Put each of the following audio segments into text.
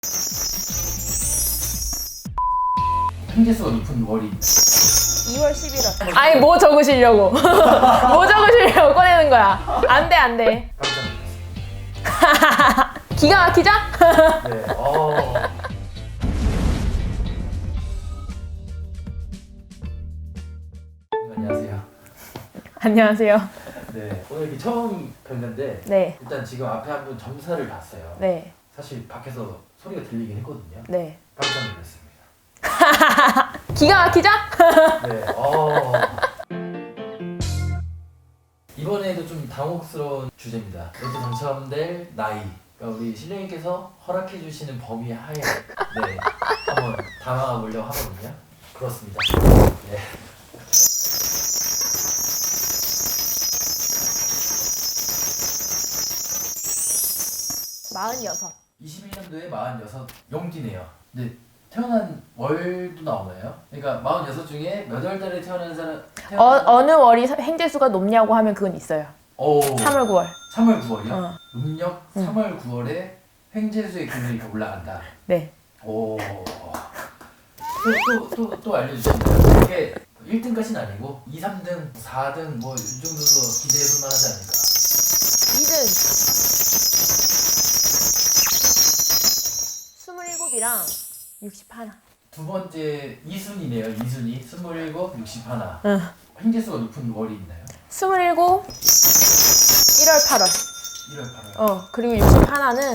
횡재수가 높은 월이 2월 11월. 아니 뭐 적으시려고? 뭐 적으시려고 꺼내는 거야? 안 돼, 안 돼. 깜짝 놀랐습니다. 기가 막히죠? 네. 안녕하세요. 안녕하세요. 네. 오늘 이렇게 처음 뵀는데 네, 일단 지금 앞에 한 분 점사를 봤어요. 네, 사실 밖에서 소리가 들리긴 했거든요. 네. 깜짝 놀랐습니다. 기가 막히죠? 네. 이번에도 좀 당혹스러운 주제입니다. 먼저 당첨될 나이. 그러니까 우리 신령님께서 허락해 주시는 범위 하에 네 한번 담아가 보려고 하거든요. 그렇습니다. 네. 마흔여섯. 21년도에 46 용기네요. 근데 태어난 월도 나오나요? 그러니까 46 중에 몇 월 달에 태어난 사람? 어느 월이 횡재수가 높냐고 하면 그건 있어요. 오. 3월, 9월. 3월 9월이요? 어. 음력 3월 9월에 횡재수의 기운이 이렇게 올라간다. 네. 오. 또 알려주시나요? 이게 1등까지는 아니고 2, 3등, 4등 뭐 이 정도로 기대해볼 만하지 않을까? 2등. 27이랑 61. 두 번째 2순위네요. 2순위 27, 61. 응. 횡재수가 높은 월이 있나요? 27, 1월, 8월. 1월, 8월. 그리고 61는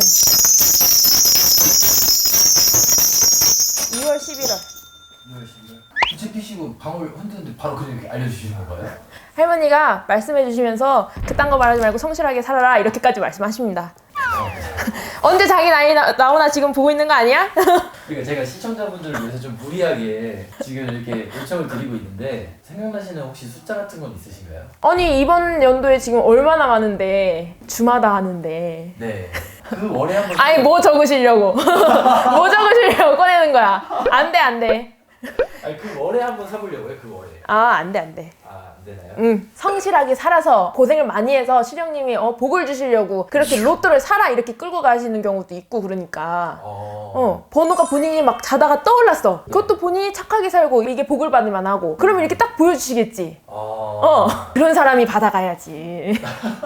2월, 11월. 2월 10일. 부채 피시고 방울 흔드는데 바로 그냥 이렇게 알려주시는 건가요? 할머니가 말씀해 주시면서 그딴 거 말하지 말고 성실하게 살아라 이렇게까지 말씀하십니다. 언제 자기 나이 나오나 지금 보고 있는 거 아니야? 그러니까 제가 시청자분들을 위해서 좀 무리하게 지금 이렇게 요청을 드리고 있는데 생각나시는 혹시 숫자 같은 건 있으신가요? 아니 이번 연도에 지금 얼마나 많은데 주마다 하는데 네. 그 월에 한번. 아니 뭐 적으시려고 뭐 적으시려고 꺼내는 거야? 안 돼, 안 돼. 아니 그 월에 한번 사보려고요. 그 월에. 안 돼, 안 돼. 안 되나요? 성실하게 살아서 고생을 많이 해서 시령님이 복을 주시려고 그렇게 로또를 사라 이렇게 끌고 가시는 경우도 있고 그러니까 번호가 본인이 막 자다가 떠올랐어. 그것도 본인이 착하게 살고 이게 복을 받을만 하고 그러면 이렇게 딱 보여주시겠지. 그런 사람이 받아가야지.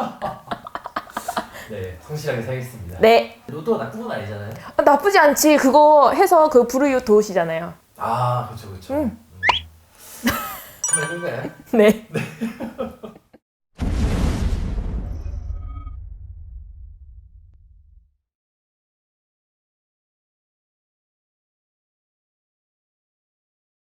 네, 성실하게 살겠습니다. 네. 로또가 나쁜 건 아니잖아요. 나쁘지 않지. 그거 해서 그 불우이웃 도우시잖아요. 아, 그렇죠, 그렇죠. 한번 해볼까요? 네.